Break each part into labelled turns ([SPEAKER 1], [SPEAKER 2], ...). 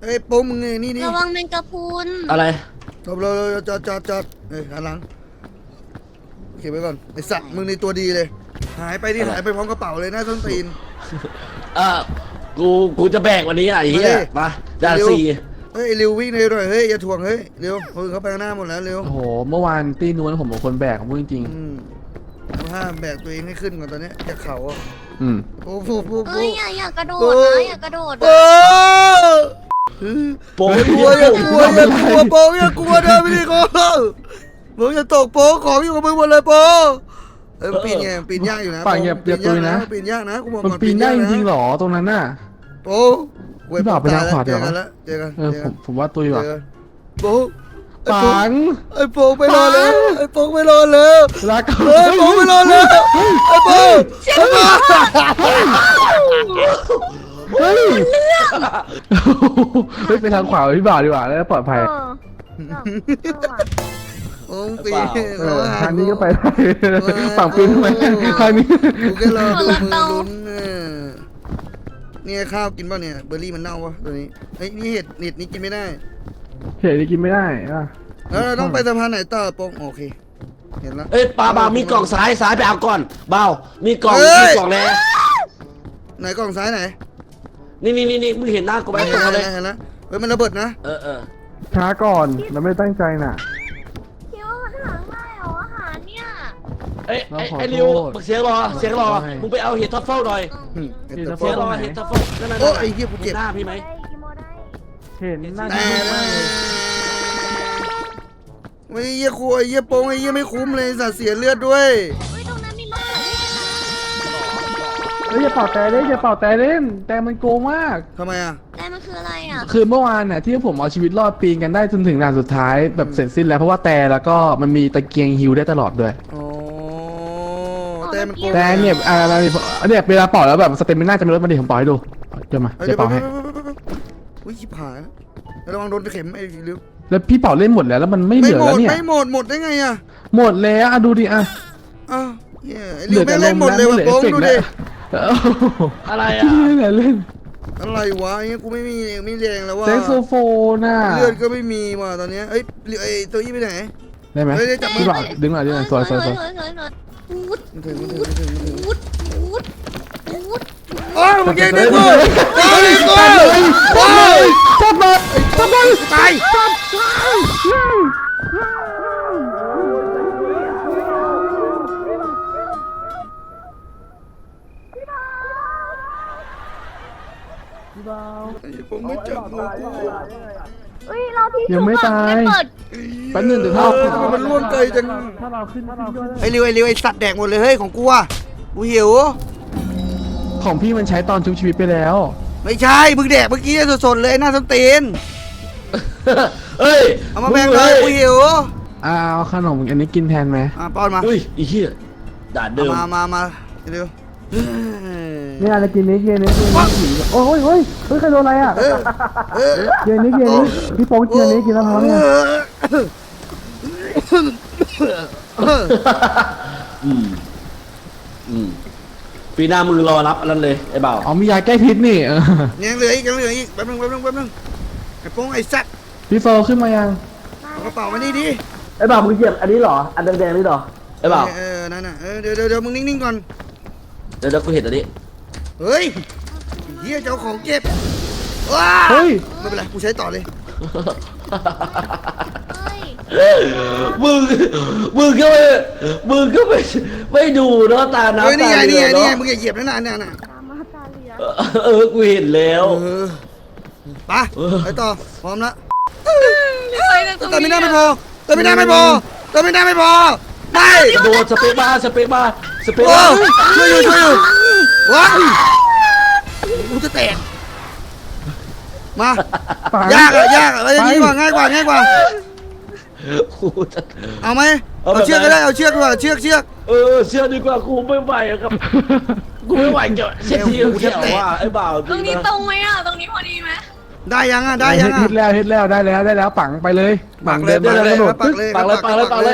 [SPEAKER 1] เอ้ยโป้งมึงนี่นี่
[SPEAKER 2] ระวังแมงกะพรุน
[SPEAKER 3] อะไร
[SPEAKER 1] จบเลยจอดเฮ้ยหันหลังเก็บไว้ก่อนไอสัตว์มึงในตัวดีเลยหายไปดิหายไปพร้อมกระเป๋าเลยนะต้นตีน
[SPEAKER 3] เออกูจะแบกวันนี้ไอ้เหี้ยมาด่านสี่
[SPEAKER 1] เฮ้ยเร็ววิ่งเลยหน่อยเฮ้ยอย่าถ่วงเฮ้ยเร็วคนเขาไปข้างหน้าหมดแล้วเร็ว
[SPEAKER 4] โอ้โหเมื่อวานตีนู้นผมเป็นคนแบกของพูดจริง
[SPEAKER 1] เอาห้ามแบกตัวเองให้ขึ้นก่อนตอนนี้จากเขาอ่ะ
[SPEAKER 4] ๆอืม
[SPEAKER 1] โอ้โห
[SPEAKER 2] เอ้ยอย่ากระโดดนะอย่ากระโดด
[SPEAKER 1] โอ้
[SPEAKER 3] โป้ย
[SPEAKER 1] กลัวอย่ากลัวโป้อย่ากลัวเดินไปดิโก้โป้อย่าตกโป้ของอยู่กับมึงหมดเลยโป้ปีนไงปีนยากอยู่นะ
[SPEAKER 4] ป่าอย่าตุยนะ
[SPEAKER 1] ปีนยากนะกูบอก
[SPEAKER 4] มัน
[SPEAKER 1] ก่อน
[SPEAKER 4] ปีนได้จริงๆหรอตรงนั้นน่ะ
[SPEAKER 1] โป้เจอกัน
[SPEAKER 4] ผมว่าตุยว่ะ
[SPEAKER 1] โป้
[SPEAKER 4] ปัง
[SPEAKER 1] ไอ้โป้ไปรอแล้วไอ้โป้ไปรอแล้ว
[SPEAKER 4] รัก
[SPEAKER 1] ไอ้โป้ไปรอแล้วไอ้โป้ไอ้โป้
[SPEAKER 4] เฮ้ยเฮ้ยไปทางขวาพี่บ่าวดีกว่าแล้วปลอดภัย
[SPEAKER 1] โอ้ปี
[SPEAKER 4] ทางนี้ก็ไปได้ฝั่งปีนทำไมทางนี้
[SPEAKER 1] กูแค่รอดูมือลุ้นนี่ข้าวกินป่ะเนี่ยเบอร์รี่มันเน่าวะตัวนี้เฮ้ยนี่เห็ดนี้กินไม่ได้
[SPEAKER 4] เห็นนี่กินไม่ได้อ่ะ
[SPEAKER 1] แล้วเราต้องไปสะพานไหนต่อโป้งโอเคเห็นแล้ว
[SPEAKER 3] เอ้ยปลาเบามีกล่องซ้ายไปเอาก่อนเบามีกล่องแล้ว
[SPEAKER 1] ไหนกล่องซ้ายไหน
[SPEAKER 3] นี่มึงเห็นหน้ากูไหมตรงนั้นเลย
[SPEAKER 1] เห็นแล้วเฮ้ยมันระเบิดนะ
[SPEAKER 3] เออ
[SPEAKER 4] ช้าก่อนเราไม่ตั้งใจน่ะ
[SPEAKER 2] คิดว่ามันหาง่ายเหรออาหารเนี่ย
[SPEAKER 3] ไอ้ริวเสียงรอมึงไปเอาเห็ดทัฟเฟิลหน่อยเห็ดทัฟเฟิลนั่น
[SPEAKER 1] โอ้ไอ้เหี้ยกูเจ็บ
[SPEAKER 3] หน้าพี่ไหม
[SPEAKER 4] เห็นหน้า
[SPEAKER 1] แต่ไม่เยี่ยคุยเยี่ยโป้งไอ้เยี่ยไม่คุ้มเลยสัตว์เสียเลือดด้วย
[SPEAKER 2] เฮ้ยตรงนั้นมีมะเขือเทศ
[SPEAKER 4] เฮ้ยอย่าเป่าแต่เล่นอย่าเป่าแต่เล่นแต่มันโกงมาก
[SPEAKER 1] ทำไมอ่ะ
[SPEAKER 2] แต่มันคืออะไรอ่ะ
[SPEAKER 4] คือเมื่อวานน่ะที่ผมเอาชีวิตรอดปีนกันได้จนถึงด่านสุดท้ายแบบเสร็จสิ้นแล้วเพราะว่าแต่แล้วก็มันมีตะเกียงฮิวได้ตลอดด้วย
[SPEAKER 1] อ๋อแต่มันโกง
[SPEAKER 4] แต่เนี่ยอะไรเนี่ยเวลาเป่าแล้วแบบสเตมิน่าจะไม่ลดมาดิผมเป่าให้ดูเดี๋ยวมาเดี๋ยวเป่าให้
[SPEAKER 1] อุ้ยชิบหายระวังโดนเข็มไอ้ริ้ว
[SPEAKER 4] แล้วพี่เป่าเล่นหมดแล้วแล้วมันไม่เหลือแล้วเนี่ย
[SPEAKER 1] ไม่หมดได้ไงอ่ะ
[SPEAKER 4] หมดแล้วอ่ะดูดิอ่ะ
[SPEAKER 1] อ้าวเหี้ยไอ้ริ้วไม่เล่นหมดเลยว่ะโป้งดูดิ
[SPEAKER 3] อะไรอ่ะ
[SPEAKER 4] เล่น
[SPEAKER 1] อะไรวะไอ้เงี้ยกูไม่แรงแล้วว่ะ
[SPEAKER 4] เซ็กโซโฟนน่ะ
[SPEAKER 1] เลือดก็ไม่มีว่ะตอนเนี้ยเอ้ยไอ้ตัวยี่ไปไหน
[SPEAKER 4] ได้ไหม
[SPEAKER 1] เฮ้ยจับมือ
[SPEAKER 4] พี่เป่าดึงหน่อยสวย
[SPEAKER 2] เฮ้ยพูด
[SPEAKER 1] มันถึง
[SPEAKER 2] พูดพูด
[SPEAKER 1] โอ้ยมึงยิงได้กูโอ้ยกูโอ้ย
[SPEAKER 4] จับเลยจับเลย
[SPEAKER 1] ตาย ผมไม่จับมือกู
[SPEAKER 2] เฮ้ยเราที่
[SPEAKER 4] ยังไม่ตาย
[SPEAKER 2] เปิด
[SPEAKER 4] แป๊บนึงเดี๋ยว
[SPEAKER 1] มันล่วงไกลจัง
[SPEAKER 4] ถ้าเราขึ้น
[SPEAKER 1] ไอ้ริวไอ้สัตว์แดกหมดเลยเฮ้ยของกูอ่ะกูหิว
[SPEAKER 4] ของพี่มันใช้ตอนชุบชีวิตไปแล้ว
[SPEAKER 1] ไม่ใช่มึงแดกเมื่อกี้สดๆเลยหน้าส้นตีน
[SPEAKER 3] เอ้ย
[SPEAKER 1] เอามาแบ่งเลยกูหิว
[SPEAKER 4] เอาขนมอันนี้กินแทนไหม
[SPEAKER 1] ป้อนมา
[SPEAKER 3] อุ้ยไอ้เหี้ยด่านเดิม
[SPEAKER 1] มาเร็ว
[SPEAKER 4] นี่อะไรกินนี้โอ้ยใครโดนอะไรอ่ะเย็นนี้พี่โป๊งกินอันนี้กินแล้วท้องเนี่ย
[SPEAKER 3] ปีหน้ามึงรอรับอันนั้นเลยไอ้เบา
[SPEAKER 4] อ๋อมียาแก้พิษนี่
[SPEAKER 1] ยังเหลืออีกแป๊บนึงไอ้โป้งไอ้สัตว์
[SPEAKER 4] พี่โฟขึ้นมายัง
[SPEAKER 1] เอากระเป๋ามานี่ดิ
[SPEAKER 3] ไอ้เบามึงเหยียบอันนี้เหรออันแดงๆนี่เหรอไอ้เบา
[SPEAKER 1] นั่นน่ะเดี๋ยวมึงนิ่งๆก่อน
[SPEAKER 3] เดี๋ยวกูเห็นอันนี้
[SPEAKER 1] เฮ้ยเฮียเจ้าของเก็บว้า
[SPEAKER 4] เฮ้ย
[SPEAKER 1] ไม่เป็นไรกูใช้ต่อเลย
[SPEAKER 2] เฮ้ย
[SPEAKER 3] มึงก็ไม่ดูเนาะตาน้ำ
[SPEAKER 1] เฮ้ยนี่
[SPEAKER 3] ตา
[SPEAKER 1] ไง
[SPEAKER 3] เหลื
[SPEAKER 1] นี่
[SPEAKER 3] อ
[SPEAKER 1] ไง
[SPEAKER 3] เนาะ
[SPEAKER 1] มึงอย่าเหยียบนั่นน่ะ
[SPEAKER 2] ตามมาตาเหลือ
[SPEAKER 3] กูเห็นแล้ว
[SPEAKER 1] ไปต่อพร้อมแล้ว
[SPEAKER 2] ไปเลยตรง
[SPEAKER 1] แต่ไม่
[SPEAKER 2] นี้
[SPEAKER 1] น่าไม่พอไม่
[SPEAKER 3] โดนสเปคบ้า
[SPEAKER 1] โอ้ช่วยอยู่ว้ากูจะแตกมายากอะอะไรนี้กว่าง่ายกว่าเอาไหมเอาเชือกก็ได้เอาเชือกดีกว่าเชือก
[SPEAKER 3] เชื่อดีกว่ากูไม่ไหวครับกูไม่ไหวเกี่ยวเช็ดทีเขียวว่าไอ้บ่าว
[SPEAKER 2] ตรงนี้ตรงไหมอ่ะตรงนี้พอดีไหม
[SPEAKER 1] ได้ยัง
[SPEAKER 4] เฮ็ดแล้วได้แล้วปังไปเลย
[SPEAKER 1] ปักเลย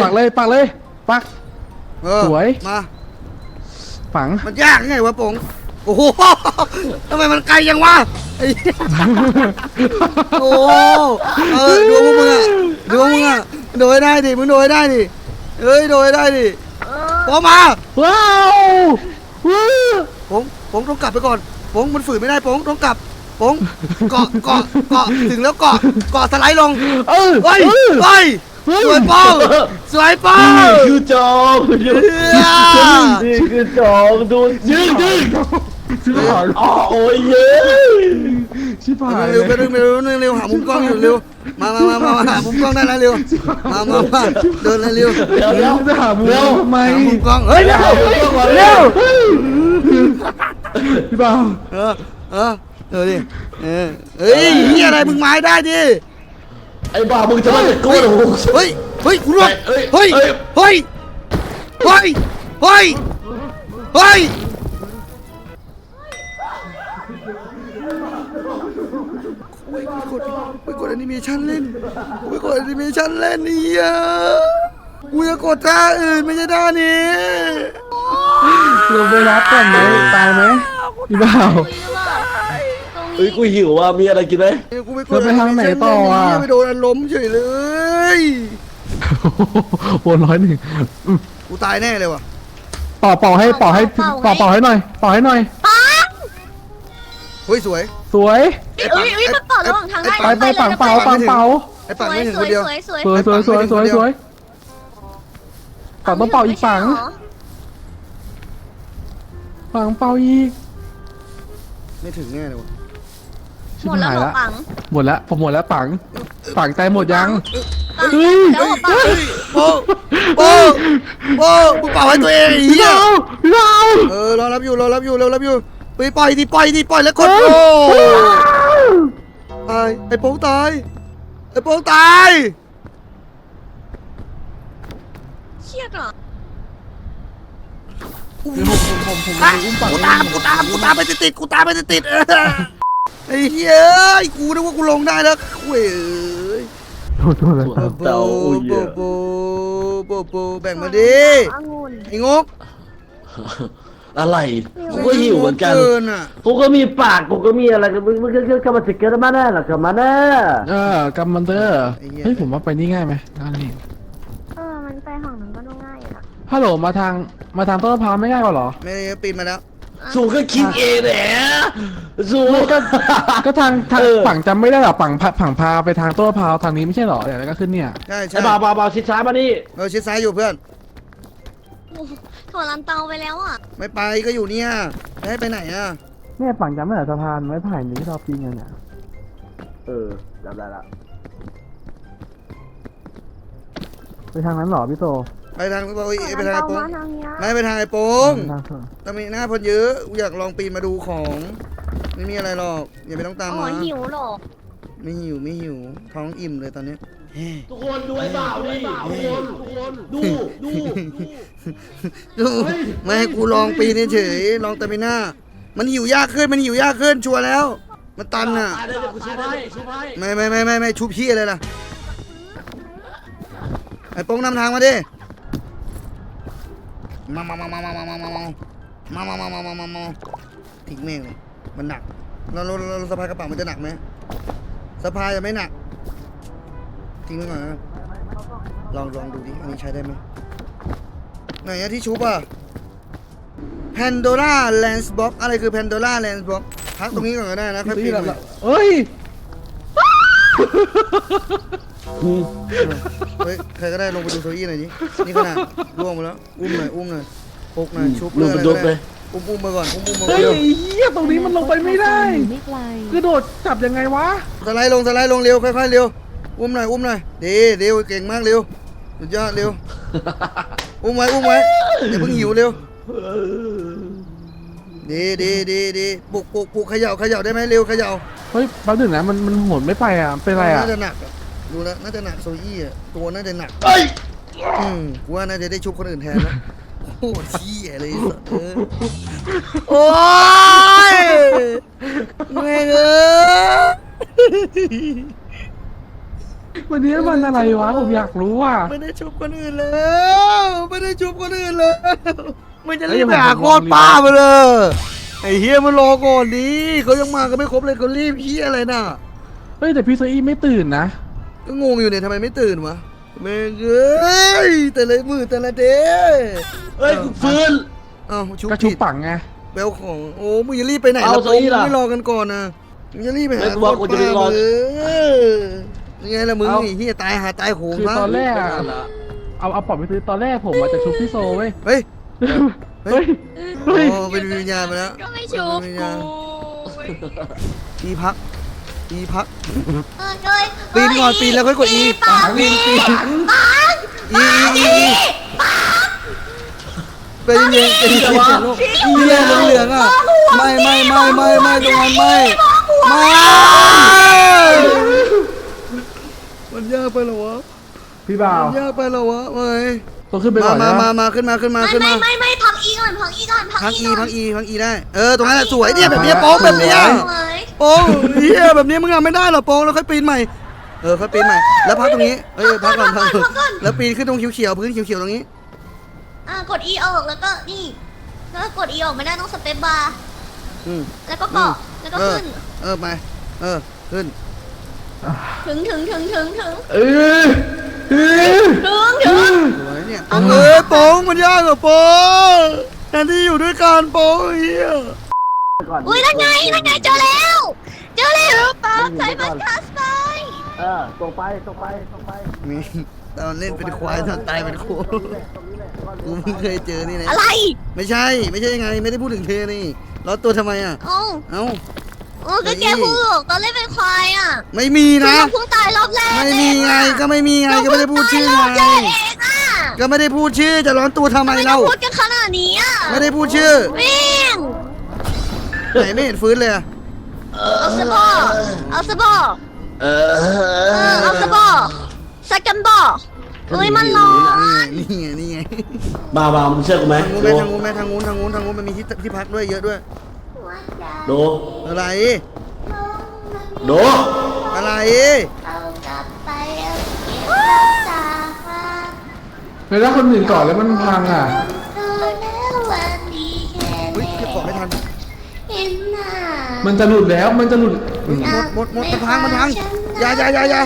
[SPEAKER 4] ปักสวย
[SPEAKER 1] มา
[SPEAKER 4] ปัง
[SPEAKER 1] มันยากไงวะป๋งโอ้โหทำไมมันไกลยังวะไอ้เหี้ยโอ้ดูพวกมึงอะดูพวกมึงอะโดยได้ดิมึงโดยได้ดิเอ้ยโดยได้ดิพอมา
[SPEAKER 4] ว้าวว้าว
[SPEAKER 1] ผมต้องกลับไปก่อนผมมันฝืนไม่ได้ผมต้องกลับผมเกาะถึงแล้วเกาะสไลด์ลงเฮ้ยสวยป้องสวยป้อง
[SPEAKER 3] นี่คือจอมนี่คือจอมดูยืด
[SPEAKER 4] ชิบหาย
[SPEAKER 3] อ๋อโอ้ยเย้
[SPEAKER 4] ชิบหาย
[SPEAKER 1] เร็วเร็วหามุมกล้องอยู่เร็วมาหามุมกล้องได้แล้วเร็วมาเดินเลยเร็ว
[SPEAKER 3] เดี๋ยว
[SPEAKER 4] จะหามุมทำไม
[SPEAKER 1] หามุมกล้องเฮ้ยเร็ว
[SPEAKER 4] พี่เบา
[SPEAKER 1] ดิเฮ้ยเฮียอะไรมึงไม้ได้ดิ
[SPEAKER 3] ไอ้บ้ามึงจะมาตะโกน
[SPEAKER 1] เฮ้ยคุณรวดเฮ้ยไปกดแอนิเมชันเล่นนี่อ่ะกูจะกดท่าอื่นไม่ใช่ท่านี้
[SPEAKER 4] ลงไปรับก่อนไหมตายไหมพี่เบา
[SPEAKER 3] เฮ้ยกูหิวว่ะมีอะไรกินไหม
[SPEAKER 1] กูไปกดไปโดนล้มเฉยเลย
[SPEAKER 4] วน101
[SPEAKER 1] กูตายแน่เลยว่ะ
[SPEAKER 4] เป่าให้หน่อยเป่าให้หน่อย
[SPEAKER 1] เฮ้ยสวย
[SPEAKER 4] สวย
[SPEAKER 2] มันต่อระหว่างทางได้
[SPEAKER 4] ไปปังเป่า
[SPEAKER 1] ไอ้ปังไม่ถึงคนเดียว
[SPEAKER 2] สวย
[SPEAKER 4] สวยปังต้องเป่าอีกปังเป่าอีก
[SPEAKER 1] ไม่ถึงแน่เลยว่ะ
[SPEAKER 4] ชิบ
[SPEAKER 2] หมดแล้ว
[SPEAKER 4] หาย
[SPEAKER 2] หรอ
[SPEAKER 4] ละ
[SPEAKER 2] ปัง
[SPEAKER 4] หมดแล้วผมหมดแล้วปังใจหมดยัง
[SPEAKER 2] เดี๋ยวปัง
[SPEAKER 1] โป้มึงเป่าให้ตัวเองไอ้เหี้ย
[SPEAKER 4] พี่เบาร
[SPEAKER 1] อรับอยู่ไปปล่อยแล้วกดโตายไอ้โป้งตาย
[SPEAKER 2] เครียดเหรอ
[SPEAKER 4] ผม
[SPEAKER 1] กูตามไปติดไอ้เหี้ยกูนึกว่ากูลงได้แล้วเว้ย
[SPEAKER 4] โทษเลยครับ
[SPEAKER 3] เต่าอุ้ย
[SPEAKER 1] โบแบ่งมาดิไอ้งก
[SPEAKER 3] อะไรกูก็หิวเหมือนกัน
[SPEAKER 1] อ่ะ
[SPEAKER 3] กูก็มีปากกูก็มีอะไรมึงก็มาสิเกิดมาแน่หรอกมาแน่
[SPEAKER 4] กำมันเตอร์เฮ้ยผมว่าไปนี่ง่ายไหมนั่นนี่
[SPEAKER 2] มันไปห้องนั้นก็ดูง่ายอยู่นะ
[SPEAKER 4] ฮัลโหลมาทางต้นมะพร้าวไม่ง่ายกว่าหรอ
[SPEAKER 1] ไม่ได้ปีนมาแล้ว
[SPEAKER 3] สูก็คิดเองแหละสู
[SPEAKER 4] ก็ทางฝั่งจำไม่ได้หรอฝั่งพาไปทางต้นมะพร้าวทางนี้ไม่ใช่หรอเดี๋ยวก็ขึ้นเนี่ย
[SPEAKER 1] ใช่
[SPEAKER 3] ไอ้บ่าวชิดซ้ายมานี่
[SPEAKER 1] เราชิดซ้ายอยู่เพื่อน
[SPEAKER 2] ถั่วลันเตาไปแล้วอ่ะ
[SPEAKER 1] ไม่ไปก็อยู่เนี่ยให้ไปไหนอ่ะ
[SPEAKER 4] เนี่ยฝั่งจำไม่ได้สะพานไม้ไผ่นี่ที่เราปีนกันเนี่ย
[SPEAKER 3] จำได้ละ
[SPEAKER 4] ไปทางนั้นหรอพี่โต
[SPEAKER 1] ไปทางไปทางไอ้โป้ง
[SPEAKER 2] ทางนี้
[SPEAKER 1] ไม่ไปทางไอ้โป้ง
[SPEAKER 4] ทางเถอะ
[SPEAKER 1] แต่มีหน้าพนเยอะกูอยากลองปีนมาดูของไม่มีอะไรหรอกอย่าไปต้องตาม
[SPEAKER 2] อ๋อ
[SPEAKER 1] มา
[SPEAKER 2] หิวหรอ
[SPEAKER 1] ไม่หิวท้องอิ่มเลยตอนนี้
[SPEAKER 3] ทุกคนดูไอ้บ่าวดิทุกคนดู
[SPEAKER 1] ดูไม่ให้กูลองปีนเฉยลองแต่ไม่หน้ามันหิวยากขึ้นชัวร์แล้วมันตันอ่ะ
[SPEAKER 3] ได้กูชิบให้
[SPEAKER 1] ไม่ชุบพี่เลยล่ะไอ้โป้งนำทางมาดิมาทิ้งแม่งเลยมันหนักเราสะพายกระเป๋ามันจะหนักไหมสะพายจะไม่หนักทิ้งไว้ก่อนนะลองดูดิอันนี้ใช้ได้ไหมไหนอะที่ชุบอะPandora Lens Box อะไรคือ Pandora Lens Box พักตรงนี้ก่อนก็ได้นะค่อยปีนไป
[SPEAKER 4] เอ้ย
[SPEAKER 1] เฮ้ยใครก็ได้ลงไปดูโซอี้หน่อยดินี่ขนาดล่วงไปแล้วอุ้มหน่อยปลุกหน่อยชุบเรื่องอะไรก็ได้อุ้มมาก่อนมา
[SPEAKER 4] เฮ้ย
[SPEAKER 1] เร็ว
[SPEAKER 4] เฮียตรงนี้มันลงไปไม่ได้กระโดดจับยังไงวะ
[SPEAKER 1] สไลด์ลงเร็วค่อยๆเร็วอุ้มหน่อยดีเร็วเก่งมากเร็วสุดยอดเร็วอุ้มไว้อย่าเพิ่งหิวเร็วดีปลุกเขย่าได้ไหมเร็วเขย่า
[SPEAKER 4] เฮ้ยแป๊บนึงนะมันโหนไม่ไปอ่ะเป็นไรอ่ะ
[SPEAKER 1] น่าจะหนักดูแล้วน่าจะหนักโซอี้อ่ะตัวน่าจะหนัก
[SPEAKER 3] เอ้ย
[SPEAKER 1] กูว่าน่าจะได้ชุบคนอื่นแทนแล้วโอ้เชี่ยเลยโอ้ยแม่ง
[SPEAKER 4] วันนี้วันอะไรวะผมอยากรู้อ่ะ
[SPEAKER 1] ไม่ได้ชุบคนอื่นแล้วมันจะรีบไปหาโคตรป้ามาเลยไอ้เฮียมันรอก่อนดิเขายังมากันไม่ครบเลยเขารีบเฮียอะไรน่ะ
[SPEAKER 4] เฮ้ยแต่พี่โซอี้ไม่ตื่นนะ
[SPEAKER 1] ก็งงอยู่เนี่ยทำไมไม่ตื่นวะแม่งเอ้ยแต่ละมือแต่ละเดย์
[SPEAKER 3] เฮ้ยกูฟื้น
[SPEAKER 1] อ้าวชุบ
[SPEAKER 4] ก็ชุบ
[SPEAKER 1] ผิด
[SPEAKER 4] ปังไง
[SPEAKER 1] แบลของโอ้มึงจะรีบไปไหน
[SPEAKER 3] เอา
[SPEAKER 1] ล่ะ
[SPEAKER 3] โซอี้ล่ะ
[SPEAKER 1] ไม่รอกันก่อนนะมึงจะรีบไปหา
[SPEAKER 3] ไม่กลัวกูจะไปรอ
[SPEAKER 1] ยังไงล่ะมึง
[SPEAKER 4] เอา
[SPEAKER 1] ไอ้เฮียตายหาตายโหง
[SPEAKER 4] คือ
[SPEAKER 1] ซะ
[SPEAKER 4] ตอนแรกอะเอาปอบไปซื้อตอนแรกผมอาจจะชุบพี่โซเว้ย
[SPEAKER 1] เฮ้ย
[SPEAKER 4] เฮ้ย
[SPEAKER 1] โอ้
[SPEAKER 4] เฮ้ย
[SPEAKER 1] เป็นวิญญาณไปแล้ว
[SPEAKER 2] ก็ไม่ชุบ
[SPEAKER 1] เป็นวิญ
[SPEAKER 2] กู
[SPEAKER 1] ญาณอีพักอีพัก
[SPEAKER 2] เอ้ย
[SPEAKER 1] ปีนก่อนปีนแล้วค่อยกดอี
[SPEAKER 2] ปาก
[SPEAKER 1] ปีนปีน
[SPEAKER 2] ปาก
[SPEAKER 1] อีเป็นยังไงเป็นยังไงลูกอีเหลืองอ่ะไม่ตรงนั้นไม่มันยากไปเหรอวะ
[SPEAKER 4] พี่บ่าว
[SPEAKER 1] มันยากไปเหรอวะไม่
[SPEAKER 4] ต้องขึ้นไปก่อนนะ
[SPEAKER 1] มาขึ้นมา
[SPEAKER 2] ไม่พักอีก่อนพักอีก่อน
[SPEAKER 1] พักอีได้ตรงนั้นสวยเนี่ยแบบนี้โป๊งแบบนี้โป๊งเฮียแบบนี้มึงทำไม่ได้หรอโป๊งแล้วค่อยปีนใหม่ค่อยปีนใหม่แล้วพักตรงนี้พักก่อนแล้วปีนขึ้นตรงเขียวพื้นเขียวตรงนี้
[SPEAKER 2] กดอีออกแล้วก็นี่แล้วกดอีออกไม่ได้ต้องสเปซบาร์ แล้วก็เกาะแล้วก็ขึ้น
[SPEAKER 1] ไปขึ้น
[SPEAKER 2] ถึง
[SPEAKER 4] เออ
[SPEAKER 1] สวยเนี่ยโป๊งมันยากเหรอโป๊งแทนที่อยู่ด้วยกันโป๊งเฮีย
[SPEAKER 2] อุ้ยนั่นไงเจอแล้วป๊าใส่มันคัสไป
[SPEAKER 4] ตรงไป
[SPEAKER 1] มีตอนเล่นเป็นควายตอนตายเป็นโคกูเพิ่งเคยเจอนี่นะ
[SPEAKER 2] อะไร
[SPEAKER 1] ไม่ใช่ยังไงไม่ได้พูดถึงเธอนี่ล้อตัวทำไมอ่ะ
[SPEAKER 2] เอ้า
[SPEAKER 1] เอ้า
[SPEAKER 2] ก็แกพูดตอนเล่นเป็นควายอ่ะ
[SPEAKER 1] ไม่มีนะ
[SPEAKER 2] เพิ่งตายรอบแรก
[SPEAKER 1] ไม่มีไงก็ไม่มีไงก็ไม่ได้พูดชื่อไงก็ไม่ได้พูดชื่อจะร้อนตัวทำไมเรา
[SPEAKER 2] พูดกันขนาดนี้อ่ะ
[SPEAKER 1] ไม่ได้พูดชื่อ
[SPEAKER 2] วิ่ง
[SPEAKER 1] ไหนไม่เห็นฟื้นเลยอะ
[SPEAKER 2] เอาสบอเอาสบอสักกันบอเฮ้ยมันร้อน
[SPEAKER 1] นี่ไง
[SPEAKER 3] มามึงเชื่อกูไหม
[SPEAKER 1] ทางงูนมันมีที่พักด้วยเยอะด้วย
[SPEAKER 3] โด
[SPEAKER 1] อะไร
[SPEAKER 3] โด
[SPEAKER 1] อะไร
[SPEAKER 2] เอากลับไปเอาเก็บจากมา
[SPEAKER 4] แล้วถ้าคนอื่นก่อนแล้วมันพังอ่ะ
[SPEAKER 2] ดูแล้ววันดีแค่
[SPEAKER 1] เฮ้ยเก็บของไม่ทัน
[SPEAKER 2] เห็นหน้า
[SPEAKER 4] มันจะหลุดแล้วมันจะหลุด
[SPEAKER 1] หมดมันพังอย่า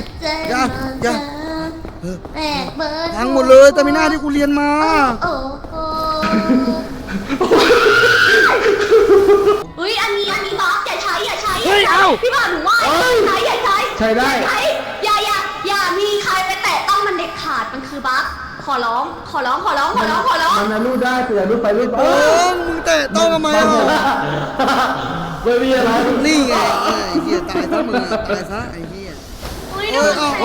[SPEAKER 1] พังหมดเลยแต่ไม่น่าที่กูเรียนมา
[SPEAKER 2] โอ้โหอุ้ยอันนี้บอสอย่าใช้
[SPEAKER 1] เฮ้ยเอา
[SPEAKER 2] พี่บอลหนูว่าอย่าใช้
[SPEAKER 4] ใช้ได้
[SPEAKER 2] อย่ามีใครไปแตะต้องมันเด็ดขาดมันคือบัฟขอร้อง
[SPEAKER 4] มันนะรูดได้แต่อย่ารูดไปรูดมา
[SPEAKER 1] โอ้มึงแตะต้องทำไมอ่ะ
[SPEAKER 3] ไม่มีอะไร
[SPEAKER 1] นี่ไงไอ้เหี้ยตายซะมึงตายซะไอ้เหี้ย
[SPEAKER 2] อุ้ย
[SPEAKER 1] โอ้ยเอา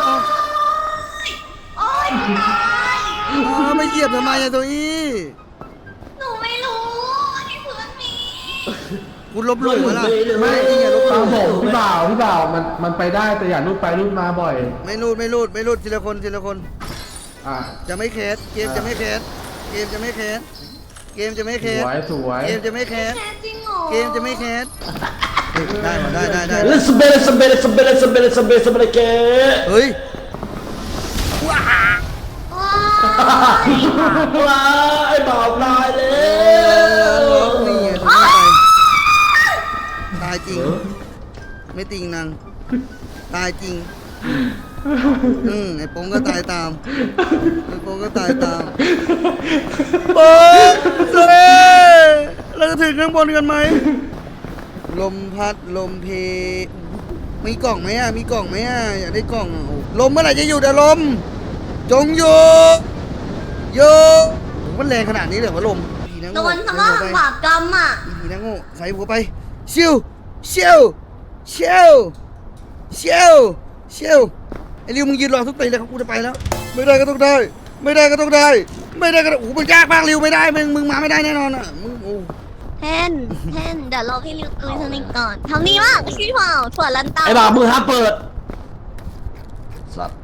[SPEAKER 2] โอ้ยตาย
[SPEAKER 1] ไม่เหยียบทำไมอะตัวอี้
[SPEAKER 2] หนูไม่รู้ที่พื้นมี
[SPEAKER 1] คุณลบหลู่ไหมล่ะ
[SPEAKER 4] ไม่
[SPEAKER 1] นี่ไงลบห
[SPEAKER 4] ฟั
[SPEAKER 1] ลู่
[SPEAKER 4] งผมพี่บ่าวมันไปได้แต่อย่ารูดไปรูดมาบ่อย
[SPEAKER 1] ไม่รูดทีละคน
[SPEAKER 4] อ่ะ
[SPEAKER 1] จะไม่แคสเกมจะไม่แคสเกมจะไม่แคส
[SPEAKER 4] สวย
[SPEAKER 1] เกมจะไม่แคส
[SPEAKER 2] แค่จริงเหรอ
[SPEAKER 1] เกมจะไม่แคสได้หมดได้
[SPEAKER 3] เลสเบลเก
[SPEAKER 1] เฮ้ย
[SPEAKER 2] ว้า
[SPEAKER 3] ว้าไอ้บ่าวลายเลย
[SPEAKER 1] นี่ไงทำไมตายจริงไม่ติงนางตายจริงไอ้โป้งก็ตายตามโป้งเซ่เราจะถึงข้างบนกันไหมลมพัดลมเพมีกล่องไหมอยากได้กล่องลมเมื่อไหร่จะหยุดอะลมจงหยุดมันแรงขนาดนี้เลยว่าลม
[SPEAKER 2] โดนคำว่าบาปกรรมอ่ะ
[SPEAKER 1] อีนะโง่ใส่หัวไปชิวไอ้ริวมึงยืนรอทุกตีเลยครับกูจะไปแล้วไม่ได้ก็ต้องได้โอ้โหมันยากมากริวไม่ได้มึงมาไม่ได้แน่นอนอ่ะมึงโอ้
[SPEAKER 2] แทนเดี๋ยวรอพี่ริวตุยสนิทก่อนทำนี่มากพี่เผาถั่วลันเตา
[SPEAKER 3] ไอ้บ่าวมือห้ามเปิดสัตว์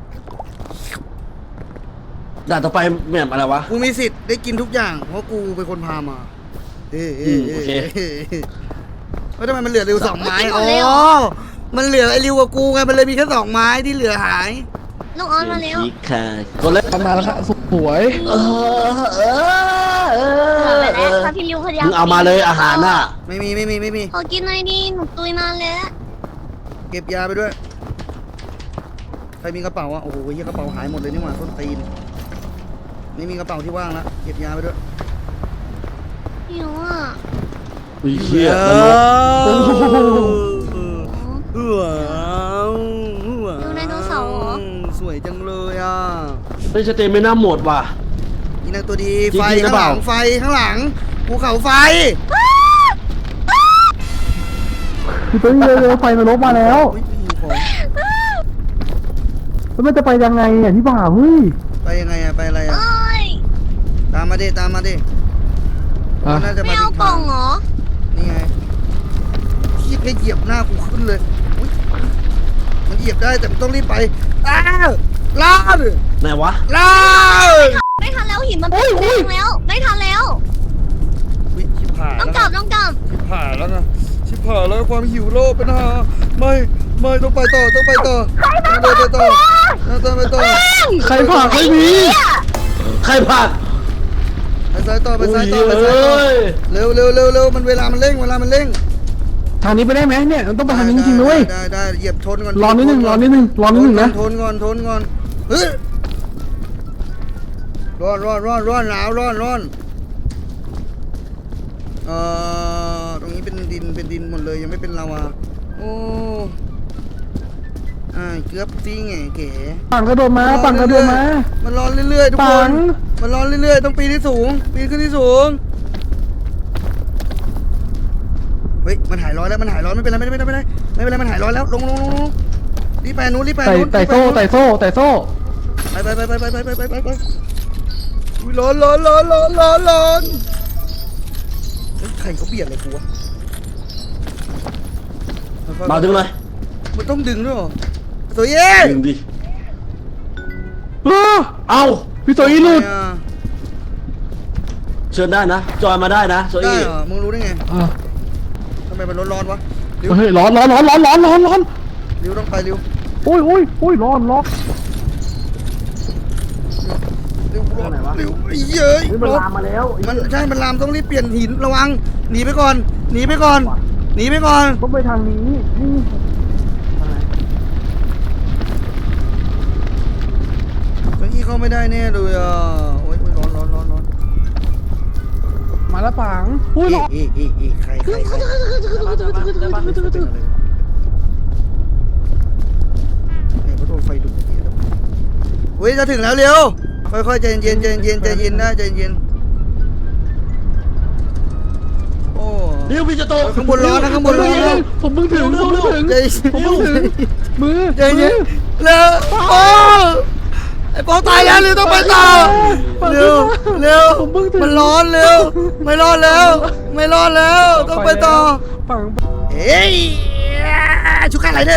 [SPEAKER 3] ด่านต่อไปแม่มอะไรวะ
[SPEAKER 1] กูมีสิทธิ์ได้กินทุกอย่างเพราะกูเป็นคนพามาแล้วทำไมมันเหลือริว2 ไม้อ๋อมันเหลือไอ้ริวกับกูไงมันเลยมีแค่2 ไม้ที่เหลือหาย
[SPEAKER 2] น้องออนมาเร็ว
[SPEAKER 3] อีกค่ะคนเล่น
[SPEAKER 4] มาแล้วครับสวย
[SPEAKER 2] ไปแล้วถ้าพี่ริวพยายาม
[SPEAKER 3] มึงเอามาเลยอาหารน่ะ
[SPEAKER 1] ไม่มี
[SPEAKER 2] ขอกินหน่อยดิหนูตุยนานแล้ว
[SPEAKER 1] เก็บยาไปด้วยใครมีกระเป๋าอ่ะโอ้โหเฮียกระเป๋าหายหมดเลยนี่หว่าต้นตีนไม่มีกระเป๋าที่ว่างแล้วเก็บยาไปด้วย
[SPEAKER 2] หิวอ่ะ
[SPEAKER 3] อุ้ยเหี้ย
[SPEAKER 1] เอ
[SPEAKER 3] มันลบ
[SPEAKER 2] ดูไดโนเสาร์เหรอ
[SPEAKER 1] สวยจังเลยอ่ะ
[SPEAKER 3] เฮ้ยสเตมิน่าหมดว่ะ
[SPEAKER 1] นี่นะตัวดี
[SPEAKER 3] จริงๆ
[SPEAKER 1] ไฟ
[SPEAKER 3] หรือ
[SPEAKER 1] ข้าง
[SPEAKER 3] เป
[SPEAKER 1] ห
[SPEAKER 3] ล่า
[SPEAKER 1] ลังไฟข้างหลังภูเขาไฟ
[SPEAKER 4] พี่ตัวนี้เร็วๆไฟนรกมาแล้ว
[SPEAKER 1] อุ๊ยหิวของ
[SPEAKER 4] แล้วมันจะไปยังไงอ่ะพี่บ่าวเฮ้ย
[SPEAKER 1] ไปยังไงอะไปอะไรอะ
[SPEAKER 2] เอ้ย
[SPEAKER 1] ตามมาดิน่าจะ
[SPEAKER 2] ไม่
[SPEAKER 1] มา
[SPEAKER 2] เอา
[SPEAKER 1] ผิด
[SPEAKER 2] กล่
[SPEAKER 1] ทา
[SPEAKER 2] อง
[SPEAKER 1] ง
[SPEAKER 2] เหรอ
[SPEAKER 1] นี่ไงพี่แค่เหยียบหน้ากูขึ้นเลยอุ๊ยมันเหยียบได้แต่มันต้องรีบไปอ้าวลาด
[SPEAKER 3] ไหนวะ
[SPEAKER 1] ลาด
[SPEAKER 2] ไม่ทันแล้วหินมันเป็นแดงแล้ว ไม่ทันแล้ว
[SPEAKER 1] อุ๊ยชิบหาย
[SPEAKER 2] ต้อง
[SPEAKER 1] แล้ว
[SPEAKER 2] กลับต้องกลับ
[SPEAKER 1] ชิบหายแล้วนะชิบหายแล้วความหิวโลกเป็นหาไม่ต้องไปต่อต้องไปต่อต้องไปต่อต้องไปต่อ
[SPEAKER 4] ใครผ่าไม่มี
[SPEAKER 3] ใครผ่าน
[SPEAKER 1] ไปซ้ายต่อไป
[SPEAKER 3] อุ้
[SPEAKER 1] ซ้าย
[SPEAKER 3] ย
[SPEAKER 1] ต่อไป
[SPEAKER 3] เอ
[SPEAKER 1] ซ้ายต่อ้
[SPEAKER 3] ย
[SPEAKER 1] เร็วมันเวลามันเร่ง
[SPEAKER 4] ทางนี้ไปได้ไหมเนี่ยมันต้องไปทางนี้จริงๆด้วย
[SPEAKER 1] ได้เหยียบชนก่อน
[SPEAKER 4] รอนิดนึงนะ
[SPEAKER 1] ทนก่อนเฮ้ยร้อนหนาวร้อนตรงนี้เป็นดินหมดเลยยังไม่เป็นลาวาโอ้เกือบจริงไงเก๋
[SPEAKER 4] ปั่นกระโดดมา
[SPEAKER 1] มันร้อนเรื่อยๆทุกค
[SPEAKER 4] ปั
[SPEAKER 1] น
[SPEAKER 4] ง
[SPEAKER 1] มันร้อนเรื่อยๆต้องปีนที่สูงปีนขึ้นที่สูงเฮ้ยมันหายร้อนแล้วไม่เป็นไรมันหายร้อนแล้วลงรีบไปนู้น
[SPEAKER 4] ไต่โซ่
[SPEAKER 1] ไปอุ้ยร้อนเฮ้ยใครเขาเบียดอะไรกูวะ
[SPEAKER 3] เบาดึงเลย
[SPEAKER 1] มันต้องดึงด้วยเหรอโซเย่
[SPEAKER 3] ดึงดิ
[SPEAKER 4] เอ้าพี่โซอี้หลุด
[SPEAKER 3] เชิญได้นะ จอยมาได้นะโซ
[SPEAKER 1] ได้
[SPEAKER 3] อี้
[SPEAKER 1] เหรอมึงรู้ได้ไงทำไมมันร้อนวะริว
[SPEAKER 4] เฮ้ยร้อน
[SPEAKER 1] ริวต้องไปริว
[SPEAKER 4] โอ้ยร้อน
[SPEAKER 1] ริวร้อนริวเย้ย
[SPEAKER 4] มัน
[SPEAKER 1] ร้อน
[SPEAKER 4] ลามมาแล้ว
[SPEAKER 1] มันใช่มันลามต้องรีบเปลี่ยนหินระวังหนีไปก่อน
[SPEAKER 4] ต้องไปทางนี้นี่
[SPEAKER 1] เก้าอี้เข้าไม่ได้แน่เลยอ่ะโอ้ยร้อน
[SPEAKER 4] มาแล้วปังอุ้ยร้อน
[SPEAKER 1] ใครเนี่ยเขาโดนไฟดูดเฮ้ยจะถึงแล้วเร็วค่อยๆใจเย็นได้ใจเย็นโอ้
[SPEAKER 3] ดิวพี่จะโต
[SPEAKER 1] ข้างบนร้อนนะ
[SPEAKER 4] ผมเพิ่งถึง
[SPEAKER 1] ใจเย็น
[SPEAKER 4] มือ
[SPEAKER 1] ใจเย็นเร็วโอ้ไอ้ปอตายแล้วเร็วต้องไปต่อเร็วมันร้อนเร็วไม่รอดแล้วต้องไปต่อ
[SPEAKER 4] ปัง
[SPEAKER 1] เฮ้ยชุกอะไรเนี่ย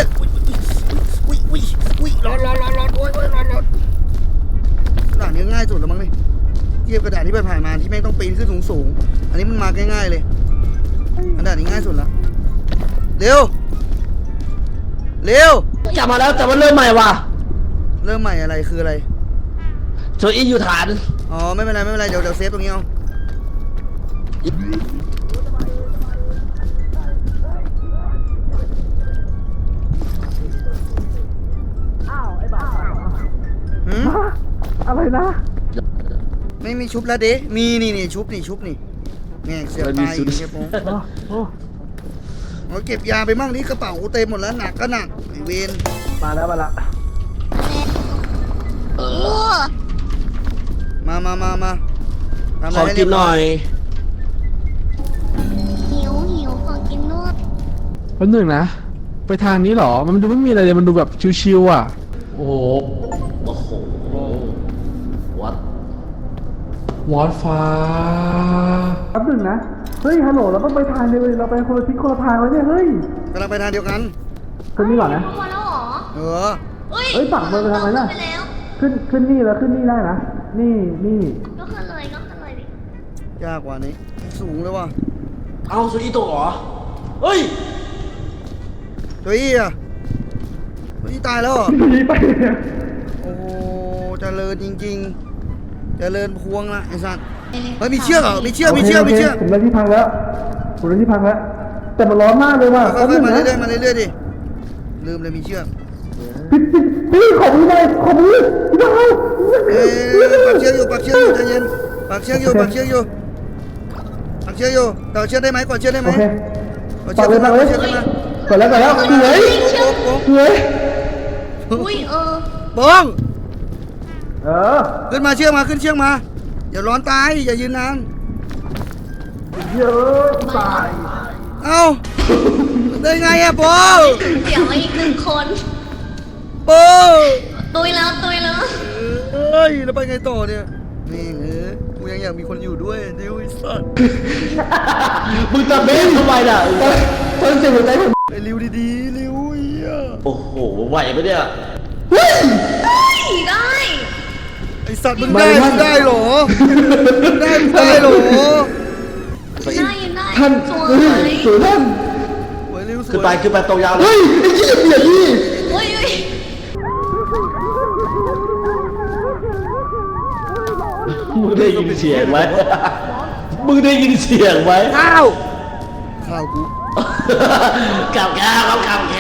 [SPEAKER 1] อุ้ยร้อนโอ้ยร้อนด่านนี้ง่ายสุดแล้วมั้งนี่เทียบกระดาษที่ผ่านมาที่แม่งต้องปีนขึ้นสูงอันนี้มันมาง่ายๆเลยอันด่านนี้ง่ายสุดแล้วเร็ว
[SPEAKER 3] กลับมาแล้วแต่ว่าเริ่มใหม่ว่ะ
[SPEAKER 1] เริ่มใหม่อะไรคืออะไร
[SPEAKER 3] โซอี้อยู่ฐาน
[SPEAKER 1] อ๋อไม่เป็นไรเดี๋ยวเซฟตรงนี้เอาหืม
[SPEAKER 4] อะไรนะ
[SPEAKER 1] ไม่มีชุบแล้วเด้มีนี่ชุบนี่แง่เสียบตายอีกเก็บโมเอาเก็บยาไปมั่งนี่กระเป๋ากูเต็มหมดแล้วหนักก็หนักไอเวน
[SPEAKER 4] มาแล้ว
[SPEAKER 2] โอ้
[SPEAKER 1] มาทำะ
[SPEAKER 3] ขอ
[SPEAKER 1] ไรให้
[SPEAKER 3] กินหน่อย
[SPEAKER 2] หิวขอกินนวด
[SPEAKER 4] แป๊บนึงนะ ไปทางนี้เหรอ มันดูไม่มีอะไรเลย มันดูแบบชิวๆอ่ะ
[SPEAKER 3] โอ้โหวัด
[SPEAKER 4] วอดฟ้าแป๊บนึงนะ เฮ้ย ฮัลโหล เราต้องไปทางเดียวเลยเราไปคนละทิศคนละทางแล้วเนี่ย เฮ้ย
[SPEAKER 1] กำลังไปทางเดียวกัน
[SPEAKER 4] ขึ้นนี่ก่อนนะ
[SPEAKER 2] เข้ามาแล้วเหรอ
[SPEAKER 1] เออ
[SPEAKER 4] เฮ้ยฝั่งมันไปทางไหนน่ะ
[SPEAKER 2] ไปแล้ว
[SPEAKER 4] ขึ้นนี่แล้วขึ้นนี่ได้นะ นี่
[SPEAKER 2] ก็ขึ้นเลยดิ
[SPEAKER 1] ยากกว่านี้สูงเลยว่ะ
[SPEAKER 3] เอาโซอี้ตกเหรอ เฮ้ย
[SPEAKER 1] ตัวอี้อ่ะตัวอี้ตายแล้วเหรอ
[SPEAKER 4] นี่ไป
[SPEAKER 1] โอ้โหเจริญจริงเจริญพวงละไอ้สัตว์เฮ้ยมีเชือกเหรอมีเชือกมีเชือกมีเชือก
[SPEAKER 4] ผมได้ที่พักแล้วผมได้ที่พักแล้วแต่มันร้อนมากเลยว่ะ
[SPEAKER 1] ค่อยๆมาเรื่อยๆมาเรื่อยๆดิลืมเลยมีเชือก
[SPEAKER 4] พี่ขอมือหน่อยขอมือพี่น้อง
[SPEAKER 1] ปักเชือกอยู่ปักเชือกอยู่ใจเย็นปักเชือกอยู่ปักเชือกอยู่ปักเชือกอยู่ต่อเชือกได้ไหมกดเชือกได้ไหม
[SPEAKER 4] โอเค
[SPEAKER 1] กดเชือกขึ้นมากดเชือกขึ้นมา
[SPEAKER 4] ก่อนแล้วสวย
[SPEAKER 1] โป๊ะ
[SPEAKER 4] สวย
[SPEAKER 2] อุ้ย
[SPEAKER 1] โป้ง
[SPEAKER 4] ขึ้
[SPEAKER 1] ขึ้นมาเชือกมาขึ้นเชือกมาอย่าร้อนตายอย่ายืนนาน
[SPEAKER 4] เยอะตาย
[SPEAKER 1] เอ้าได้ไงอะโป้
[SPEAKER 2] เดี๋ยวมาอีกหนึ่งคน
[SPEAKER 1] โป้
[SPEAKER 2] ตุยแล้ว
[SPEAKER 1] เฮ้ยแล้วไปไงต่อเนี่ยนี่กูยังอยากมีคนอยู่ด้วยดิวไอ้สัส
[SPEAKER 3] มึงจะเบ้นทำไมน่ะ
[SPEAKER 4] ตอนเสียงหัวใจผม
[SPEAKER 1] ไอ้ริวดีๆริวเหี้ย
[SPEAKER 3] โอ้โหไหวไหมเนี่ย
[SPEAKER 2] ได้
[SPEAKER 1] ไอ้สัตว์มึงได้เหรอได้เหรอ
[SPEAKER 2] ได้ยินได้
[SPEAKER 4] ท่าน
[SPEAKER 2] สว
[SPEAKER 4] สวยท่าน
[SPEAKER 1] สวยริวส
[SPEAKER 3] ขึ้น
[SPEAKER 1] วย
[SPEAKER 3] ไปตรงยาวเล
[SPEAKER 4] เฮ้
[SPEAKER 3] ย
[SPEAKER 4] ยไอ้เหี้ยเบียดพี่
[SPEAKER 2] โอ้ย
[SPEAKER 3] มึงได้ยินเสียงไหมมึงได้ยินเสียงไหม
[SPEAKER 1] ข้าวกู
[SPEAKER 3] กับแกครับกับแก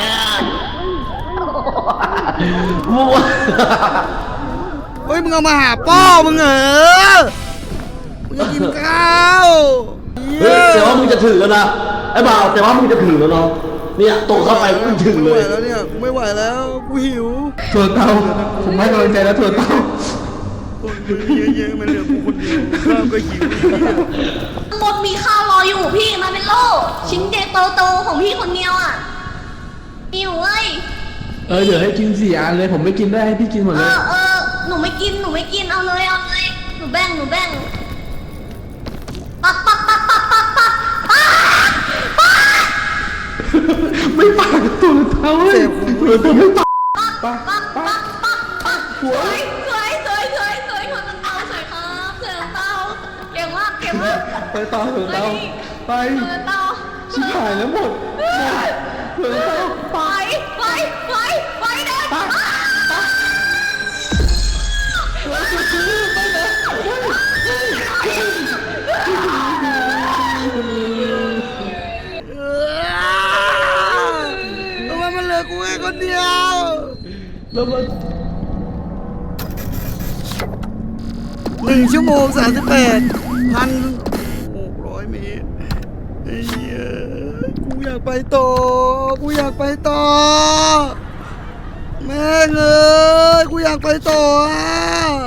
[SPEAKER 3] มัว
[SPEAKER 1] เฮ้ยมึงเอามาหาป้อมึงเหรอมึงจะกินข้าว
[SPEAKER 3] เฮ้ยแต่ว่ามึงจะถึงแล้วนะไอ้บ่าวแต่ว่ามึงจะถึงแล้วเนาะเนี่ยตรงเข้าไปมึงถึงเลย
[SPEAKER 1] ไม่ไหวแล้วเนี่ยกูไม่ไหวแล้วกูหิว
[SPEAKER 4] ถั่วเตาผมให้กำลังใจแล้วถั่วเตา
[SPEAKER 1] คนเยอะๆมันเหลือกูคนเดียวข้าวก็หิว
[SPEAKER 2] ข้างบนมีข้าวรออยู่พี่มาเป็นโลชิ้นเดโตๆของพี่คนเดียวอ่ะมีอยู่เว้ย
[SPEAKER 4] เดี๋ยวให้กิน4 อันเลยผมไม่กินได้ให้พี่กินหมดเลย
[SPEAKER 2] หนูไม่กินเอาเลยหนูแบ่งปัก
[SPEAKER 4] ไม่ปากถั่วเตาเว้ยถั่วเตาไม่ปาก
[SPEAKER 2] สวยถั่วลันเตาสวยครับถั่วลันเตาเก่งมาก
[SPEAKER 4] ไปต่อถั่วเตาไป
[SPEAKER 2] ถั่วลันเตา
[SPEAKER 4] ชิบหายแล้วหมดถั่วเตา
[SPEAKER 2] ไปเดิน
[SPEAKER 1] ทำไมมันเหลือกูแค่คนเดียว
[SPEAKER 4] แล้วมัน
[SPEAKER 1] 1 ชั่วโมง 38,600 เมตรไอ้เหี้ยกูอยากไปต่อแม่งเอ้ยกูอยากไปต่อ